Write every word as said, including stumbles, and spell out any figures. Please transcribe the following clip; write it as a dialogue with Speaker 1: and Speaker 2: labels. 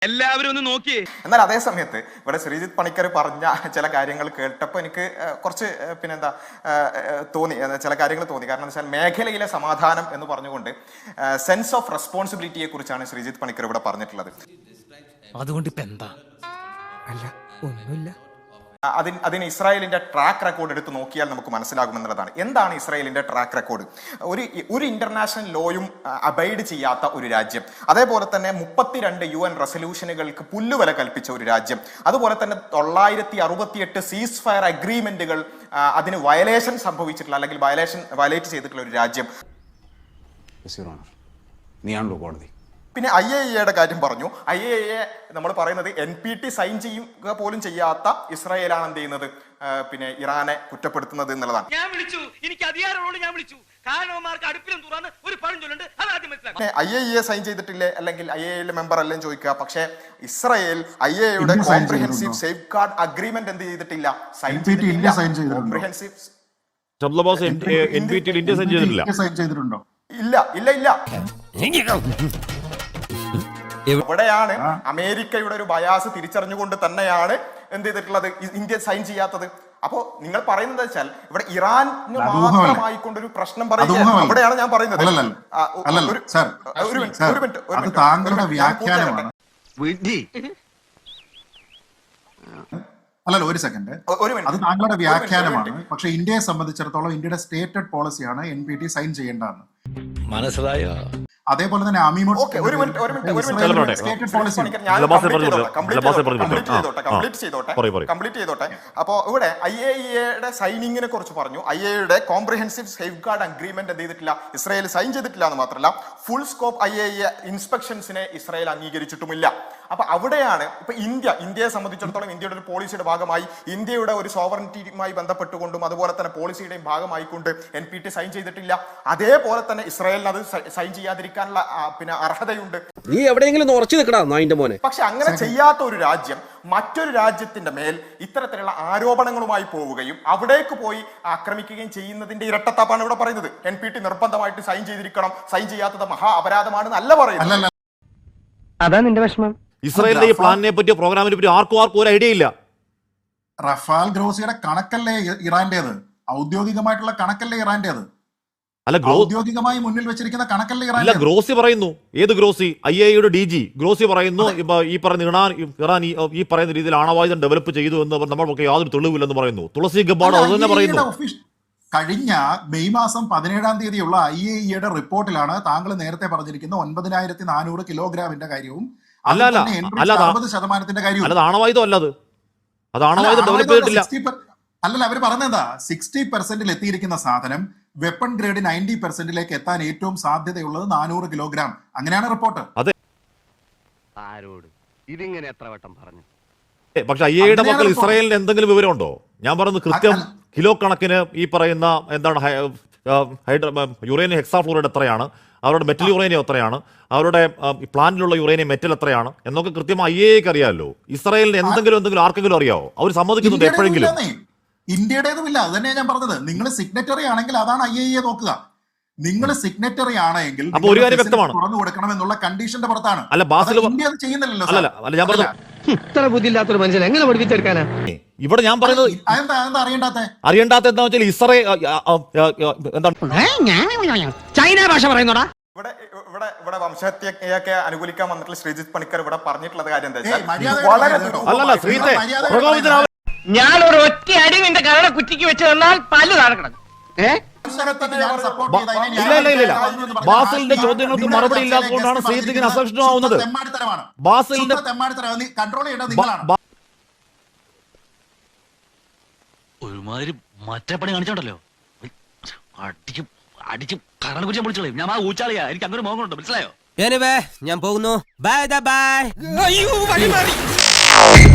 Speaker 1: എല്ലാവരും ഒന്ന് നോക്കിയേ.
Speaker 2: എന്നാൽ അതേ സമയത്ത് ഇവിടെ ശ്രീജിത്ത് പണിക്കർ പറഞ്ഞ ചില കാര്യങ്ങൾ കേട്ടപ്പോൾ എനിക്ക് കുറച്ച് പിന്നെന്താ തോന്നി, ചില കാര്യങ്ങൾ തോന്നി. കാരണം എന്താ വെച്ചാൽ മേഖലയിലെ സമാധാനം എന്ന് പറഞ്ഞുകൊണ്ട് സെൻസ് ഓഫ് റെസ്പോൺസിബിലിറ്റിയെ കുറിച്ചാണ് ശ്രീജിത്ത് പണിക്കർ ഇവിടെ പറഞ്ഞിട്ടുള്ളത്.
Speaker 3: അതുകൊണ്ട് ഇപ്പൊ എന്താ? അല്ല ഒന്നുമില്ല.
Speaker 2: അതിന് അതിന് ഇസ്രായേലിന്റെ ട്രാക്ക് റെക്കോർഡ് എടുത്ത് നോക്കിയാൽ നമുക്ക് മനസ്സിലാകുമെന്നുള്ളതാണ്. എന്താണ് ഇസ്രായേലിന്റെ ട്രാക്ക് റെക്കോർഡ്? ഒരു ഒരു ഇന്റർനാഷണൽ ലോയും അബൈഡ് ചെയ്യാത്ത ഒരു രാജ്യം, അതേപോലെ തന്നെ മുപ്പത്തിരണ്ട് യു എൻ റെസൊല്യൂഷനുകൾക്ക് പുല്ലുവില കൽപ്പിച്ച ഒരു രാജ്യം, അതുപോലെ തന്നെ തൊള്ളായിരത്തി അറുപത്തിയെട്ട് സീസ് ഫയർ അഗ്രിമെന്റുകൾ അതിന് വയലേഷൻ സംഭവിച്ചിട്ടുള്ള അല്ലെങ്കിൽ വയലേഷൻ വയലേറ്റ് ചെയ്തിട്ടുള്ള ഒരു രാജ്യം.
Speaker 4: നീയാണല്ലോ കോടതി.
Speaker 2: പിന്നെ ഐ എ ഇയുടെ കാര്യം പറഞ്ഞു. ഐ എ ഇയെ നമ്മൾ പറയുന്നത് എൻ പി ടി സൈൻ ചെയ്യുക പോലും ചെയ്യാത്ത ഇസ്രായേലാണ് എന്ത് ചെയ്യുന്നത്, പിന്നെ ഇറാനെ കുറ്റപ്പെടുത്തുന്നത് എന്നുള്ളതാണ്.
Speaker 1: ഞാൻ വിളിച്ചു, എനിക്ക് അധികാരമുള്ളൂ, ഞാൻ വിളിച്ചു. കാരണവന്മാർക്ക് അടുപ്പിലും തുറന്ന് ഒരു പഴഞ്ചൊല്ലുണ്ട്, അത് ആദ്യം മനസ്സിലാക്കാം.
Speaker 2: ഐ എ ഇയെ സൈൻ ചെയ്തിട്ടില്ലേ അല്ലെങ്കിൽ ഐ എ ഇയിലെ മെമ്പർ അല്ലെന്ന് ചോദിക്കുക. പക്ഷേ ഇസ്രായേൽ ഐ എ ഇയുടെ കോംപ്രിഹെൻസീവ് സേഫ് ഗാർഡ് അഗ്രിമെന്റ് എന്ത് ചെയ്തിട്ടില്ല, സൈൻ ചെയ്തിട്ടില്ല. കോംപ്രിഹെൻസീവ് ഇല്ല ഇല്ല ഇല്ല ഇവിടെയാണ് അമേരിക്കയുടെ ഒരു ബയാസ് തിരിച്ചറിഞ്ഞുകൊണ്ട് തന്നെയാണ് എന്ത് ചെയ്തിട്ടുള്ളത്, ഇന്ത്യ സൈൻ ചെയ്യാത്തത്. അപ്പോ നിങ്ങൾ പറയുന്നത് വെച്ചാൽ ഇവിടെ ഇറാന് മാത്രമായിക്കൊണ്ടൊരു പ്രശ്നം പറയുക, അവിടെയാണ് ഞാൻ പറയുന്നത്.
Speaker 5: അല്ലല്ല ഒരു സെക്കൻഡ്, അത് താങ്കളുടെ വ്യാഖ്യാനമാണ്. പക്ഷെ ഇന്ത്യയെ സംബന്ധിച്ചിടത്തോളം ഇന്ത്യയുടെ സ്റ്റേറ്റഡ് പോളിസിയാണ് എൻ പി ടി സൈൻ ചെയ്യേണ്ടതെന്ന്. മനസ്സിലായോ? അതേപോലെ തന്നെ
Speaker 2: അപ്പോ ഇവിടെ ഐ എ ഇയുടെ സൈനിങ്ങിനെ കുറിച്ച് പറഞ്ഞു. ഐ എയുടെ കോംപ്രിഹെൻസീവ് സേഫ് ഗാർഡ് അഗ്രിമെന്റ് എന്ത് ചെയ്തിട്ടില്ല, ഇസ്രായേൽ സൈൻ ചെയ്തിട്ടില്ല എന്ന് മാത്രമല്ല full scope I A E ഇൻസ്പെക്ഷൻസിനെ ഇസ്രായേൽ അംഗീകരിച്ചിട്ടുമില്ല. അപ്പൊ അവിടെയാണ് ഇപ്പൊ ഇന്ത്യ ഇന്ത്യയെ സംബന്ധിച്ചിടത്തോളം ഇന്ത്യയുടെ ഒരു പോളിസിയുടെ ഭാഗമായി, ഇന്ത്യയുടെ ഒരു സോവറിറ്റിയുമായി ബന്ധപ്പെട്ടുകൊണ്ടും അതുപോലെ തന്നെ പോളിസിയുടെയും ഭാഗമായിക്കൊണ്ട് എൻ പി ടി സൈൻ ചെയ്തിട്ടില്ല. അതേപോലെ തന്നെ ഇസ്രായേലിന് അത് സൈൻ ചെയ്യാതിരിക്കാനുള്ള പിന്നെ അർഹതയുണ്ട്.
Speaker 6: നീ എവിടെയെങ്കിലും ഉറച്ചു നിൽക്കടാ നായിന്റെ മോനെ.
Speaker 2: പക്ഷെ അങ്ങനെ ചെയ്യാത്ത ഒരു രാജ്യം മറ്റൊരു രാജ്യത്തിന്റെ മേൽ ഇത്തരത്തിലുള്ള ആരോപണങ്ങളുമായി പോവുകയും അവിടേക്ക് പോയി ആക്രമിക്കുകയും ചെയ്യുന്നതിന്റെ ഇരട്ടത്താപ്പാണ് ഇവിടെ പറയുന്നത്. എൻ പി ടി നിർബന്ധമായിട്ട് സൈൻ ചെയ്തിരിക്കണം, സൈൻ ചെയ്യാത്തത് മഹാ അപരാധമാണെന്ന് അല്ല പറയുന്നത്.
Speaker 6: അതാ നിന്റെ വിഷമം.
Speaker 7: ഇസ്രായേലിന്റെ ഈ പ്ലാനിനെ പറ്റിയോ പ്രോഗ്രാമിനെ പറ്റിയോ ആർക്കും ആർക്കും ഒരു ഐഡിയ ഇല്ല.
Speaker 5: റഫാൽ ഗ്രോസിയുടെ കണക്കല്ലേ ഇറാന്റേത്, ഔദ്യോഗികമായിട്ടുള്ള കണക്കല്ലേ ഇറാന്റേത്,
Speaker 7: അല്ല
Speaker 5: ഔദ്യോഗികമായി മുന്നിൽ വെച്ചിരിക്കുന്ന കണക്കല്ലേ ഇറാൻ.
Speaker 7: അല്ല ഗ്രോസി പറയുന്നു. ഏത് ഗ്രോസി? ഐ എ ഇയുടെ ഡി ജി ഗ്രോസി പറയുന്നു ഈ പറയുന്ന ഇറാൻ ഇറാൻ ഈ പറയുന്ന രീതിയിൽ ആണവായുധം ഡെവലപ്പ് ചെയ്തു എന്ന് നമ്മൾക്ക് യാതൊരു തെളിവില്ലെന്ന് പറയുന്നു. തുളസി ഗബാർഡ് അത് തന്നെ പറയുന്നു.
Speaker 5: കഴിഞ്ഞ മെയ് മാസം പതിനേഴാം തീയതിയുള്ള ഐ എ ഇയുടെ റിപ്പോർട്ടിലാണ് താങ്കൾ നേരത്തെ പറഞ്ഞിരിക്കുന്ന ഒൻപതിനായിരത്തി നാനൂറ് കിലോഗ്രാമിന്റെ കാര്യവും
Speaker 7: അല്ല അല്ല അല്ല
Speaker 5: അറുപത് ശതമാനത്തിന്റെ കാര്യവും.
Speaker 7: അല്ല ആണവായുധം അല്ലത്, അത് ആണവായുധം ഡെവലപ്പ് ചെയ്തിട്ടില്ല.
Speaker 5: അല്ലല്ല അവര് പറഞ്ഞെന്താ, സിക്സ്റ്റി പെർസെന്റിൽ എത്തിയിരിക്കുന്ന സാധനം വെപ്പൺ ഗ്രേഡ് നയൻറ്റി പെർസെന്റിലേക്ക് എത്താൻ ഏറ്റവും സാധ്യതയുള്ളത് നാനൂറ് കിലോഗ്രാം. അങ്ങനെയാണ് റിപ്പോർട്ട്.
Speaker 7: അതെ,
Speaker 6: ആരോട് ഇതിങ്ങനെ എത്ര വട്ടം പറഞ്ഞു?
Speaker 7: പക്ഷെ ഐ എയുടെ മക്കൾ ഇസ്രായേലിന് എന്തെങ്കിലും വിവരമുണ്ടോ? ഞാൻ പറയുന്നത് കൃത്യം കിലോ കണക്കിന് ഈ പറയുന്ന എന്താണ് യുറേനിയം ഹെക്സാഫ്ലൂറൈഡ് എത്രയാണ്, അവരുടെ മെറ്റൽ യുറേനിയം എത്രയാണ്, അവരുടെ പ്ലാന്റിലുള്ള യുറേനിയം മെറ്റൽ എത്രയാണ് എന്നൊക്കെ കൃത്യമായി ഐ എക്ക് അറിയാമല്ലോ. ഇസ്രായേലിന് എന്തെങ്കിലും എന്തെങ്കിലും ആർക്കെങ്കിലും അറിയാവോ? അവർ സമ്മതിക്കുന്നുണ്ട് എപ്പോഴെങ്കിലും?
Speaker 5: ഇന്ത്യയുടേതുമില്ല. അത് തന്നെയാണ് ഞാൻ പറഞ്ഞത്. നിങ്ങൾ സിഗ്നറ്ററി ആണെങ്കിൽ അതാണ് ഐ എ ഇ നോക്കുക. നിങ്ങൾ സിഗ്നറ്ററി ആണെങ്കിൽ
Speaker 7: അപ്പൊ ഒരു കാര്യം വ്യക്തമാണ്,
Speaker 5: തുറന്നു കൊടുക്കണം എന്നുള്ള കണ്ടീഷന്റെ പുറത്താണ്.
Speaker 7: അല്ല ബാസിൽ
Speaker 5: ഇന്ത്യ അത് ചെയ്യുന്നില്ലല്ലോ.
Speaker 7: അല്ല ഞാൻ പറഞ്ഞു,
Speaker 6: ഇത്ര ബുദ്ധിയില്ലാത്തൊരു മനുഷ്യൻ എങ്ങനെ പഠിപ്പിച്ചെടുക്കാനാ?
Speaker 7: ഇവിടെ ഞാൻ പറയുന്നത്
Speaker 5: അറിയണ്ടാത്ത
Speaker 7: അറിയണ്ടാത്ത എന്താ വെച്ചാൽ ഇസ്രായേൽ എന്താണ്
Speaker 6: ചൈന ഭാഷ പറയുന്നോടാ.
Speaker 2: ഇവിടെ ഇവിടെ ഇവിടെ വംശഹത്യയൊക്കെ അനുകൂലിക്കാൻ വന്നിട്ടുള്ള ശ്രീജിത്ത് പണിക്കർ ഇവിടെ പറഞ്ഞിട്ടുള്ള കാര്യം എന്താ വെച്ചാൽ
Speaker 7: അല്ലല്ല ശ്രീത്തെ
Speaker 1: ഞാൻ ഒരു ഒറ്റ അടി നിന്റെ കരട കുറ്റിക്ക് വെച്ച് തന്നാൽ പല്ല് താഴക്കണം.
Speaker 7: ഇല്ല ഇല്ല ഇല്ല ബാസിലിന്റെ ചോദ്യങ്ങൾക്ക് മറുപടി ഇല്ലാത്തതുകൊണ്ടാണ് ശ്രീജിത്തിന് അസഹിഷ്ണുവാകുന്നത്. ബാസിലിന്റെ
Speaker 8: ഒരുമാതിരി മറ്റേ പണി കാണിച്ചോണ്ടല്ലോ, അടിച്ച് അടിച്ച് കരണ കുറിച്ച് വിളിച്ചോളൂ. ഞാൻ ആ ഊച്ചാളിയാ, എനിക്ക് അങ്ങനെ മോഹമുണ്ട്, മനസ്സിലായോ?
Speaker 3: ഞാൻ പോകുന്നു. Bye by.